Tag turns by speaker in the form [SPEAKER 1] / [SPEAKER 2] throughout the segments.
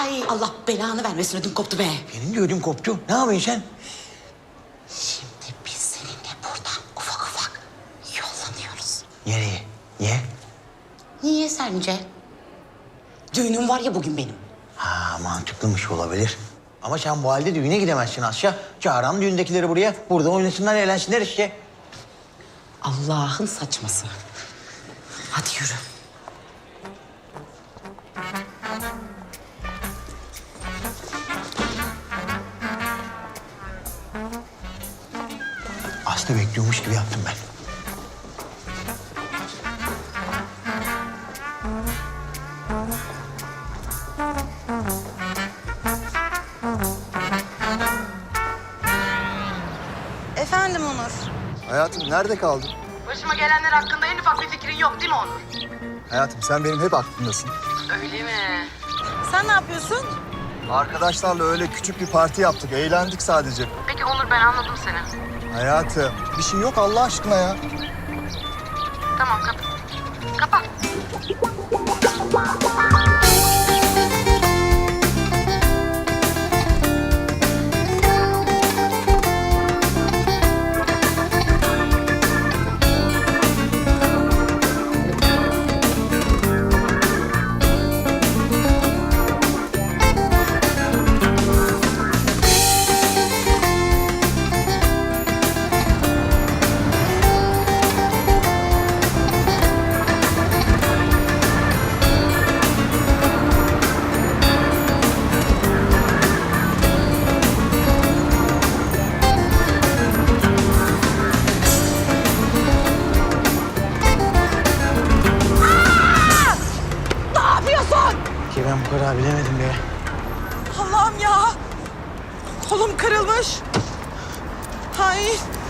[SPEAKER 1] Ay Allah belanı vermesin ödüm koptu be.
[SPEAKER 2] Benim de ödüm koptu. Ne yapıyorsun sen?
[SPEAKER 1] Şimdi biz seninle buradan ufak ufak yollanıyoruz.
[SPEAKER 2] Nereye? Niye?
[SPEAKER 1] Niye sence? Düğünüm var ya bugün benim.
[SPEAKER 2] Ha, mantıklıymış olabilir. Ama sen bu halde düğüne gidemezsin Asya. Çağıran düğündekileri buraya. Burada oynasınlar, eğlensinler işte.
[SPEAKER 1] Allah'ın saçması. Hadi yürü.
[SPEAKER 2] Aslı bekliyormuş gibi yaptım ben.
[SPEAKER 3] Efendim Onur.
[SPEAKER 4] Hayatım nerede kaldın?
[SPEAKER 3] Başıma gelenler hakkında en ufak bir fikrin yok değil mi Onur?
[SPEAKER 4] Hayatım sen benim hep aklımdasın.
[SPEAKER 3] Öyle mi? Sen ne yapıyorsun?
[SPEAKER 4] Arkadaşlarla öyle küçük bir parti yaptık. Eğlendik sadece.
[SPEAKER 3] Peki Onur ben anladım seni.
[SPEAKER 4] Hayatım bir şey yok Allah aşkına ya.
[SPEAKER 3] Tamam kapat. Kapat.
[SPEAKER 2] Ki ben bu kadar bilemedim be.
[SPEAKER 3] Allah'ım ya. Kolum kırılmış. Ay.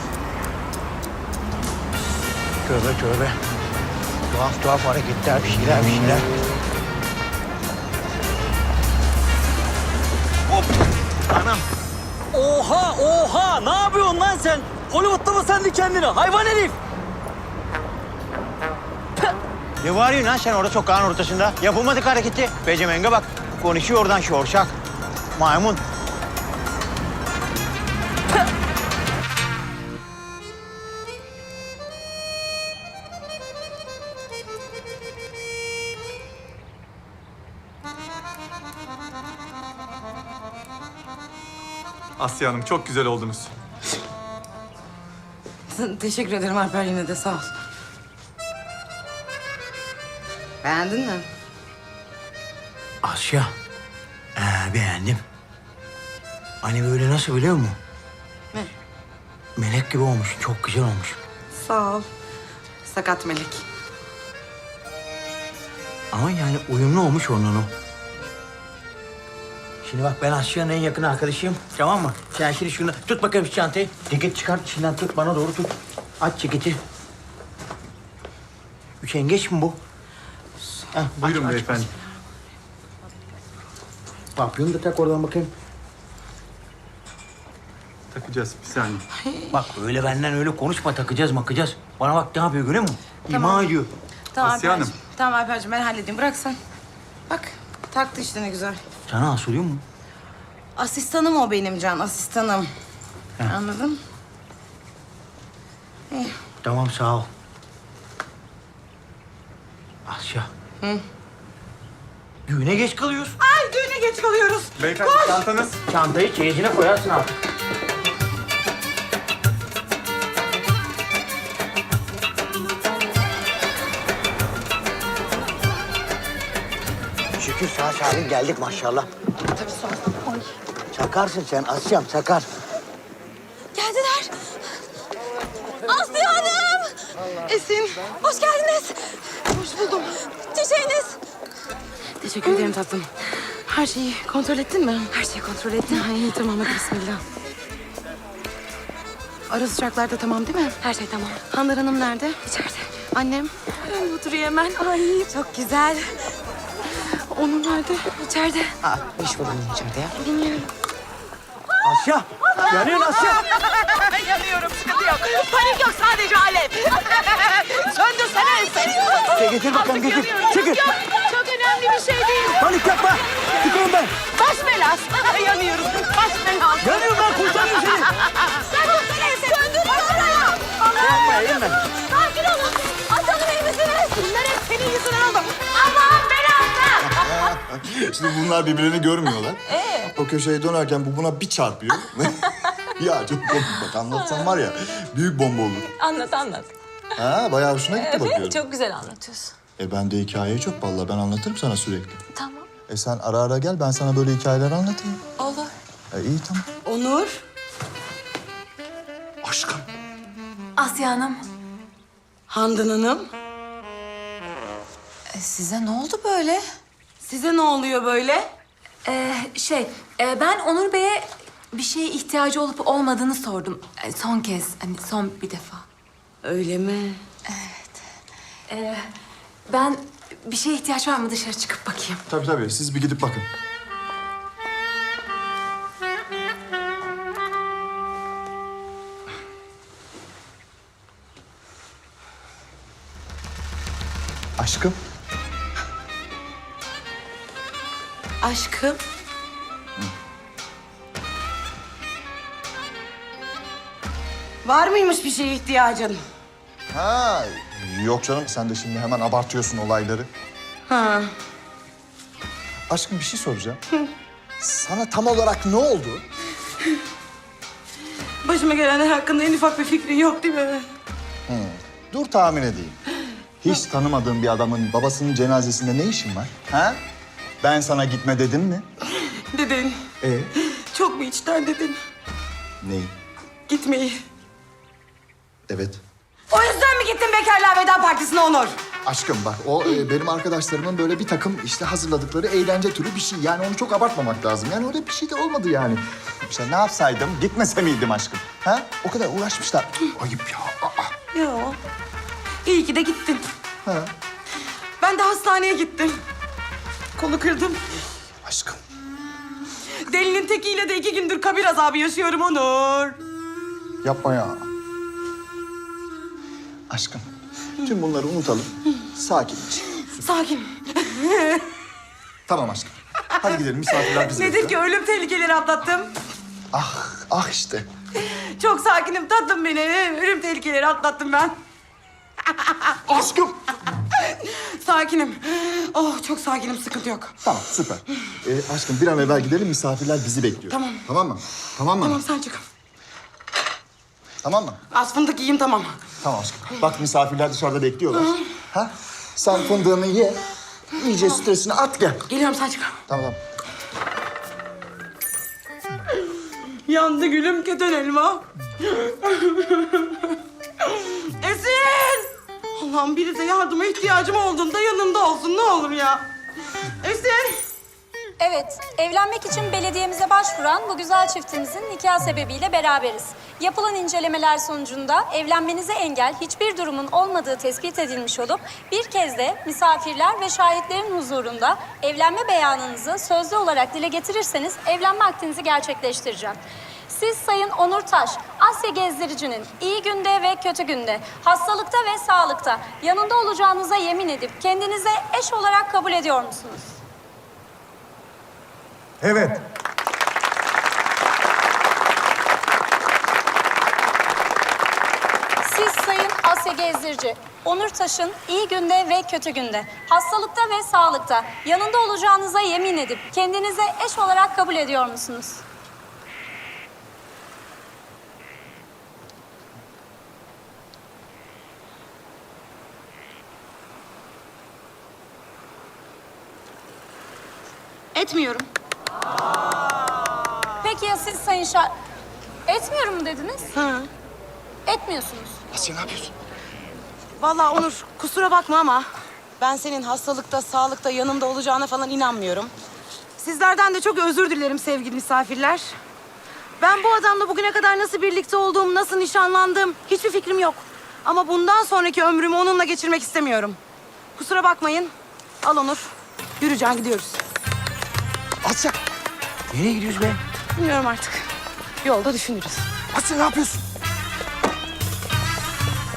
[SPEAKER 2] Tövbe tövbe. Tuhaf tuhaf hareketler, bir şeyler. Hop! Anam!
[SPEAKER 5] Oha! Ne yapıyorsun lan sen? Hollywood'da mı sendin kendini? Hayvan herif!
[SPEAKER 2] Ne bağırıyorsun lan sen orada sokağın ortasında? Yapılmadık hareketi. Becemenge bak. Konuşuyor oradan şorşak. Maymun.
[SPEAKER 6] Asya Hanım çok güzel oldunuz.
[SPEAKER 3] Teşekkür ederim Alper yine de sağ ol. Beğendin mi?
[SPEAKER 2] Asya. Beğendim. Hani böyle nasıl biliyor musun?
[SPEAKER 3] Ne?
[SPEAKER 2] Melek gibi olmuş. Çok güzel olmuş.
[SPEAKER 3] Sağ ol. Sakat melek.
[SPEAKER 2] Ama yani uyumlu olmuş onunla o. Şimdi bak ben Asya'nın en yakın arkadaşıyım. Tamam mı? Sen şimdi şunu tut bakayım şu çantayı. Ceket çıkart içinden tut bana doğru tut. Aç ceketi. Üşengeç mi bu? Heh,
[SPEAKER 6] Buyurun beyefendi.
[SPEAKER 2] Papyonu da tak oradan bakayım.
[SPEAKER 6] Takacağız bir saniye.
[SPEAKER 2] Bak öyle benden öyle konuşma takacağız makacağız. Bana bak ne yapıyor görüyor musun? İma ediyor.
[SPEAKER 3] Tamam
[SPEAKER 6] Asya
[SPEAKER 3] Alperciğim.
[SPEAKER 6] Hanım.
[SPEAKER 3] Tamam Alperciğim ben halledeyim. Bırak sen. Bak taktı işte ne güzel.
[SPEAKER 2] Sana asılıyor mu?
[SPEAKER 3] Asistanım o benim Can, asistanım. Anladın? İyi.
[SPEAKER 2] Tamam sağ ol. Asya. Düğüne geç kalıyoruz.
[SPEAKER 3] Ay düğüne geç kalıyoruz.
[SPEAKER 6] Beyefendi çantanız.
[SPEAKER 2] Çantayı çeyizine koyarsın artık. Şükür sağ salim geldik maşallah.
[SPEAKER 3] Tabii sağ ol. Ay.
[SPEAKER 2] Çakarsın sen Asya'm çakar.
[SPEAKER 3] Geldiler. Aslı Hanım. Esin. Hoş geldiniz. Hoş buldum. Çiçeğiniz. Teşekkür ederim tatlım. Her şeyi kontrol ettin mi? Her şeyi kontrol ettim. Ay tamam hadi bismillah. Ara sıcaklarda tamam değil mi? Her şey tamam. Hanlar Hanım nerede? İçeride. Annem? Oturuyor hemen. Ay çok güzel. Onun nerede? İçeride.
[SPEAKER 1] İş buldum içeride ya.
[SPEAKER 3] Bilmiyorum.
[SPEAKER 2] Asya! Yanıyorsun Asya!
[SPEAKER 3] Yanıyorum, sıkıntı yok. Panik yok, sadece alev. Söndürsene Esin.
[SPEAKER 2] Getir bakalım getir. Çekil.
[SPEAKER 3] Çok önemli bir şey değil.
[SPEAKER 2] Panik yapma. Çıkıyorum ben.
[SPEAKER 3] Baş belası. Yanıyoruz. Baş belası.
[SPEAKER 2] Yanıyorum ben, kurtarıyorum seni.
[SPEAKER 3] Sen dur. Söndür oraya.
[SPEAKER 2] Yapma, eğilme.
[SPEAKER 3] Sakin olun. Atalım iyi misiniz? Bunlar hep senin yüzünden oldu. Aman belası.
[SPEAKER 4] Şimdi bunlar birbirlerini görmüyorlar. O köşeye dönerken bu buna bir çarpıyor. Ya çok komik bak, anlatsam var ya büyük bomba olur.
[SPEAKER 3] Anlat.
[SPEAKER 4] Ha, bayağı hoşuna gitti bakıyorum.
[SPEAKER 3] Çok güzel anlatıyorsun.
[SPEAKER 4] Ben de hikayeyi çok vallahi, ben anlatırım sana sürekli.
[SPEAKER 3] Tamam.
[SPEAKER 4] Sen ara ara gel, ben sana böyle hikayeler anlatayım.
[SPEAKER 3] Olur.
[SPEAKER 4] İyi tamam.
[SPEAKER 1] Onur.
[SPEAKER 4] Aşkım.
[SPEAKER 3] Asya Hanım.
[SPEAKER 1] Handan Hanım.
[SPEAKER 3] Size ne oldu böyle?
[SPEAKER 1] Size ne oluyor böyle?
[SPEAKER 3] Ben Onur Bey'e bir şeye ihtiyacı olup olmadığını sordum. Son kez, hani son bir defa.
[SPEAKER 1] Öyle mi?
[SPEAKER 3] Ben bir şeye ihtiyaç var mı dışarı çıkıp bakayım?
[SPEAKER 4] Tabii siz bir gidip bakın. Aşkım.
[SPEAKER 1] Aşkım. Var mıymış bir şeye ihtiyacın?
[SPEAKER 4] Ha, yok canım, sen de şimdi hemen abartıyorsun olayları.
[SPEAKER 1] Ha.
[SPEAKER 4] Aşkım bir şey soracağım. Sana tam olarak ne oldu?
[SPEAKER 1] Başıma gelenler hakkında en ufak bir fikrin yok değil mi?
[SPEAKER 4] Dur tahmin edeyim. Hiç tanımadığın bir adamın babasının cenazesinde ne işin var? Ha? Ben sana gitme dedim mi?
[SPEAKER 1] Dedin. Çok mu içten dedin?
[SPEAKER 4] Neyi?
[SPEAKER 1] Gitmeyi.
[SPEAKER 4] Evet.
[SPEAKER 1] O yüzden mi gittin bekarlığa veda partisine Onur?
[SPEAKER 4] Aşkım bak, o benim arkadaşlarımın böyle bir takım işte hazırladıkları eğlence türü bir şey. Yani onu çok abartmamak lazım. Yani öyle bir şey de olmadı yani. İşte ne yapsaydım, gitmese miydim aşkım? Ha? O kadar uğraşmışlar. Ayıp ya. Aa.
[SPEAKER 1] Yo. İyi ki de gittin.
[SPEAKER 4] Ha?
[SPEAKER 1] Ben de hastaneye gittim. Kolu kırdım.
[SPEAKER 4] Aşkım.
[SPEAKER 1] Delinin tekiyle de 2 gündür kabir azabı yaşıyorum Onur.
[SPEAKER 4] Yapma ya. Aşkım, tüm bunları unutalım. Sakinleş.
[SPEAKER 1] Sakin.
[SPEAKER 4] Tamam aşkım. Hadi gidelim, misafirler bizi
[SPEAKER 1] Nedir ki ölüm tehlikeleri atlattım.
[SPEAKER 4] Ah işte.
[SPEAKER 1] Çok sakinim tatlım benim. Ölüm tehlikeleri atlattım ben.
[SPEAKER 4] Aşkım.
[SPEAKER 1] Sakinim. Oh çok sakinim, sıkıntı yok.
[SPEAKER 4] Tamam, süper. Aşkım bir an evvel gidelim, misafirler bizi bekliyor.
[SPEAKER 1] Tamam.
[SPEAKER 4] Tamam mı? Tamam mı?
[SPEAKER 1] Tamam sen çık.
[SPEAKER 4] Tamam mı?
[SPEAKER 1] Az fındık yiyeyim tamam.
[SPEAKER 4] Tamam aşkım. Bak misafirler dışarıda bekliyorlar. Ha? Sen fındığını ye. İyice stresini at gel.
[SPEAKER 1] Geliyorum sen çık.
[SPEAKER 4] Tamam.
[SPEAKER 1] Yandı gülüm keten elma. Esin! Allah'ım biri de yardıma ihtiyacım olduğunda yanımda olsun ne olur ya. Esin!
[SPEAKER 7] Evet, evlenmek için belediyemize başvuran bu güzel çiftimizin nikah sebebiyle beraberiz. Yapılan incelemeler sonucunda evlenmenize engel hiçbir durumun olmadığı tespit edilmiş olup bir kez de misafirler ve şahitlerin huzurunda evlenme beyanınızı sözlü olarak dile getirirseniz evlenme akdinizi gerçekleştireceğim. Siz Sayın Onur Taş, Asya Gezdirici'nin iyi günde ve kötü günde, hastalıkta ve sağlıkta yanında olacağınıza yemin edip kendinize eş olarak kabul ediyor musunuz?
[SPEAKER 4] Evet.
[SPEAKER 7] Siz Sayın Asya Gezdirici, Onur Taş'ın iyi günde ve kötü günde, hastalıkta ve sağlıkta yanında olacağınıza yemin edip kendinize eş olarak kabul ediyor musunuz?
[SPEAKER 1] Etmiyorum.
[SPEAKER 7] Peki ya siz Sayın Etmiyorum mu dediniz?
[SPEAKER 1] Hı.
[SPEAKER 7] Etmiyorsunuz.
[SPEAKER 4] Asya ne yapıyorsun?
[SPEAKER 1] Vallahi Onur kusura bakma ama ben senin hastalıkta, sağlıkta yanımda olacağına falan inanmıyorum. Sizlerden de çok özür dilerim sevgili misafirler. Ben bu adamla bugüne kadar nasıl birlikte olduğum, nasıl nişanlandım hiçbir fikrim yok. Ama bundan sonraki ömrümü onunla geçirmek istemiyorum. Kusura bakmayın. Al Onur. Yürü Can gidiyoruz.
[SPEAKER 4] Asya.
[SPEAKER 2] Nereye gidiyoruz be?
[SPEAKER 1] Bilmiyorum artık. Yolda düşünürüz.
[SPEAKER 4] Asya ne yapıyorsun?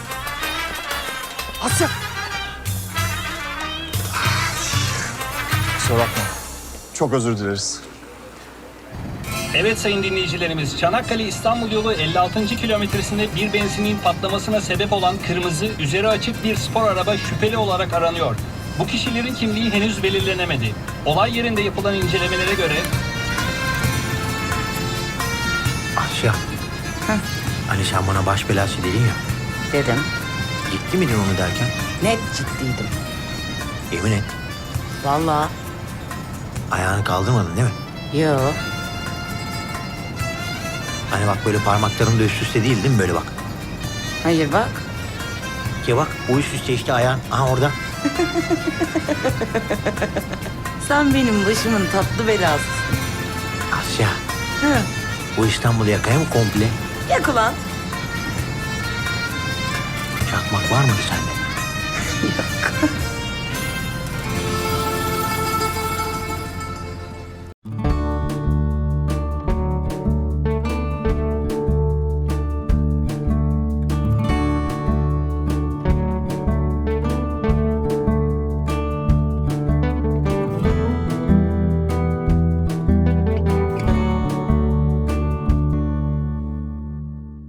[SPEAKER 4] Asya. kusura bakma. Çok özür dileriz.
[SPEAKER 8] Evet sayın dinleyicilerimiz, Çanakkale-İstanbul yolu 56. kilometresinde bir benzinin patlamasına sebep olan kırmızı, üzeri açık bir spor araba şüpheli olarak aranıyor. Bu kişilerin kimliği henüz belirlenemedi. Olay yerinde yapılan incelemelere göre
[SPEAKER 2] Asya. Hani sen bana baş belası dedin ya.
[SPEAKER 1] Dedim.
[SPEAKER 2] Ciddi miydin onu derken?
[SPEAKER 1] Net ciddiydim.
[SPEAKER 2] Yemin et.
[SPEAKER 1] Vallahi.
[SPEAKER 2] Ayağını kaldırmadın değil mi?
[SPEAKER 1] Yo.
[SPEAKER 2] Hani bak böyle parmakların da üst üste değil mi böyle bak.
[SPEAKER 1] Hayır bak.
[SPEAKER 2] Ki bak bu üst üste işte ayağın. Aha orada.
[SPEAKER 1] Sen benim başımın tatlı belasısın.
[SPEAKER 2] Asya. Bu İstanbul'u yakaya mı komple?
[SPEAKER 1] Yak ulan.
[SPEAKER 2] Çakmak var mıydı sende?
[SPEAKER 1] Yok.